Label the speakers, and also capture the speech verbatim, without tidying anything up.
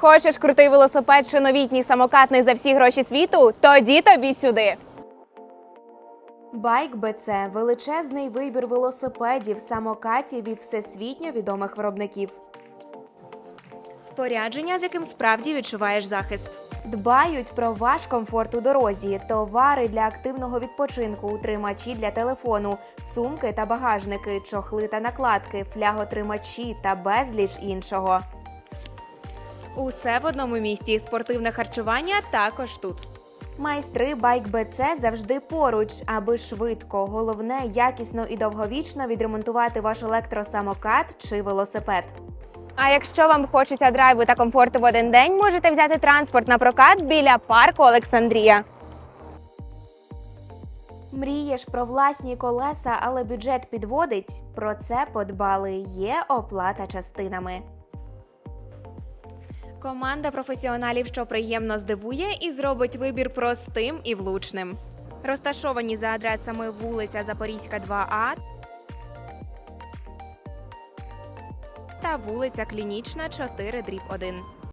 Speaker 1: Хочеш крутий велосипед чи новітній самокат за всі гроші світу? Тоді тобі сюди!
Speaker 2: Байк Б Це – величезний вибір велосипедів, самокатів від всесвітньо відомих виробників.
Speaker 3: Спорядження, з яким справді відчуваєш захист.
Speaker 2: Дбають про ваш комфорт у дорозі, товари для активного відпочинку, утримачі для телефону, сумки та багажники, чохли та накладки, фляготримачі та безліч іншого.
Speaker 3: Усе в одному місці. Спортивне харчування також тут.
Speaker 2: Майстри Байк Б Це завжди поруч, аби швидко, головне, якісно і довговічно відремонтувати ваш електросамокат чи велосипед.
Speaker 1: А якщо вам хочеться драйву та комфорту в один день, можете взяти транспорт на прокат біля парку Олександрія.
Speaker 2: Мрієш про власні колеса, але бюджет підводить? Про це подбали. Є оплата частинами.
Speaker 3: Команда професіоналів, що приємно здивує і зробить вибір простим і влучним. Розташовані за адресами вулиця Запорізька, два А та вулиця Клінічна, чотири дріб один.